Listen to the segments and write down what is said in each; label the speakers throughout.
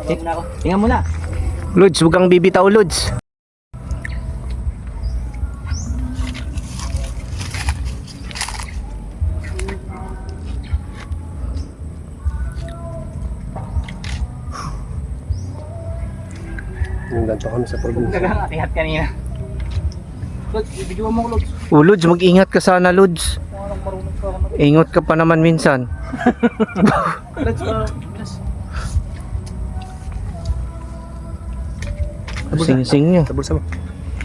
Speaker 1: Tingnan mo na.
Speaker 2: Lods, huwag kang bibitaw, Lods.
Speaker 3: Yung ganito kami sa probinsya.
Speaker 1: Nag-ihat kanina. Lods, ibigyan mo ko, Lods.
Speaker 2: Lods, mag-ingat ka sana, Lods. Ingot ka pa naman minsan.
Speaker 1: Lods,
Speaker 2: Sing-sing nyo.
Speaker 3: Sa bulsa mo.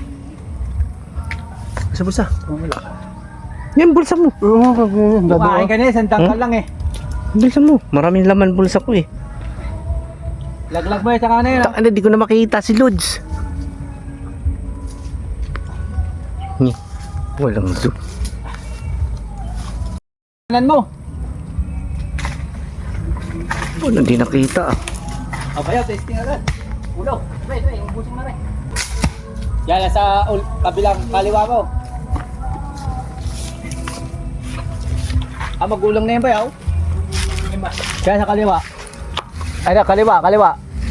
Speaker 3: Sa bulsa.
Speaker 2: Yan, bulsa mo.
Speaker 1: kumain ka na eh, sandang ka lang eh.
Speaker 2: Bulsa mo. Maraming laman bulsa ko eh.
Speaker 1: Laglag mo eh, saka na yun.
Speaker 2: Ano, di ko na makita si Lods. Walang zoom.
Speaker 1: Kanan mo.
Speaker 2: Wala, di nakita ah.
Speaker 1: O kaya, testing agad. Ulo. Ito, yung busing na rin. Yan, nasa kabilang kaliwa mo. Magulang na yun ba yaw? Kaya sa kaliwa. Ay na, kaliwa.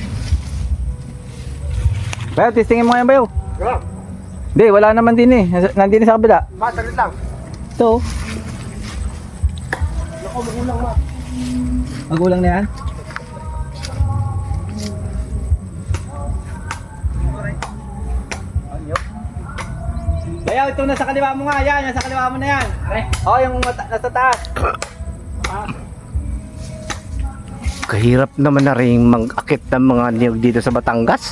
Speaker 1: Bayaw, testingin mo yan bayaw. Hindi, wala naman din eh. Nandun sa kabila.
Speaker 3: Matalit lang.
Speaker 1: Ito.
Speaker 3: Ako, magulang ma.
Speaker 1: Magulang na yan? Bayaw, ito nasa kaliwa mo nga. Yan, nasa kaliwa mo na yan. Oo, yung nasa taas.
Speaker 2: Kahirap naman na rin mag-akit ng mga niyog dito sa Batangas.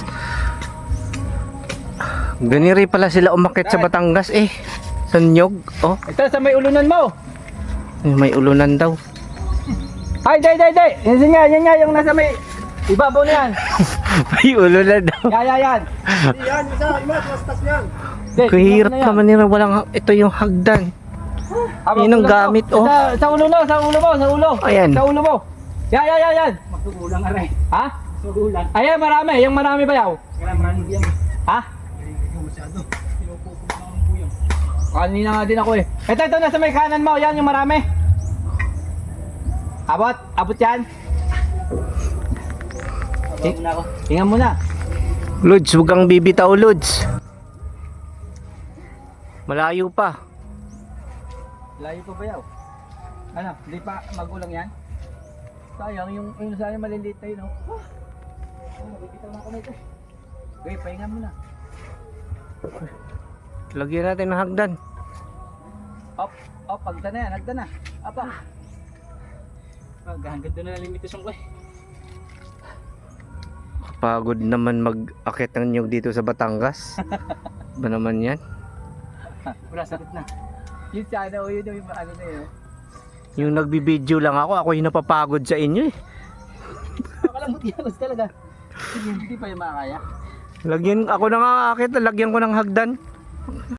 Speaker 2: Ganiri pala sila umakit sa Batangas eh. Sa niyog. Oh,
Speaker 1: Ito, sa may ulunan mo.
Speaker 2: may ulunan daw.
Speaker 1: Ay, day. Yan nga, yung nasa may ibabaw na yan.
Speaker 2: May ulunan daw.
Speaker 1: Yan.
Speaker 3: Yan, isa, ima, tumastas yan.
Speaker 2: Kahirap naman nila. Walang, ito yung hagdan. Yun ang gamit, oh.
Speaker 1: Sa ulo mo.
Speaker 2: Ayan.
Speaker 1: Sa ulo mo. Yan. Magsugulang ka rin. Ha? Sugulang. Ayan, marami. Yung marami ba yaw? Marami yan. Ha? Kanina nga din ako eh. Ito, nasa may kanan mo. Yan, yung marami. Abot yan. Tingnan mo na.
Speaker 2: Lods, huwag kang bibitaw, Lods. Malayo pa.
Speaker 1: Layo pa ba yaw? Ano, hindi pa magulang yan? Sayang, yung sayang maliliit na yun, no? Nakikita na ako na ito. Okay, pahinga mo na.
Speaker 2: Lagyan natin ng hagdan.
Speaker 1: Op, hagdan na yan, hagdan na. Apa. Hanggang doon na limitasyon ko eh.
Speaker 2: Pagod naman mag-akit ng niyog dito sa Batangas. Ba naman yan?
Speaker 1: Wala, sakit na. Yun sana o yun yung ano na yun.
Speaker 2: Yung nagbibideo lang ako yung napapagod sa inyo eh.
Speaker 1: Nakalamot yan, talaga. Hindi pa yung makakaya.
Speaker 2: Lagyan, ako na nga akit, lagyan ko ng hagdan.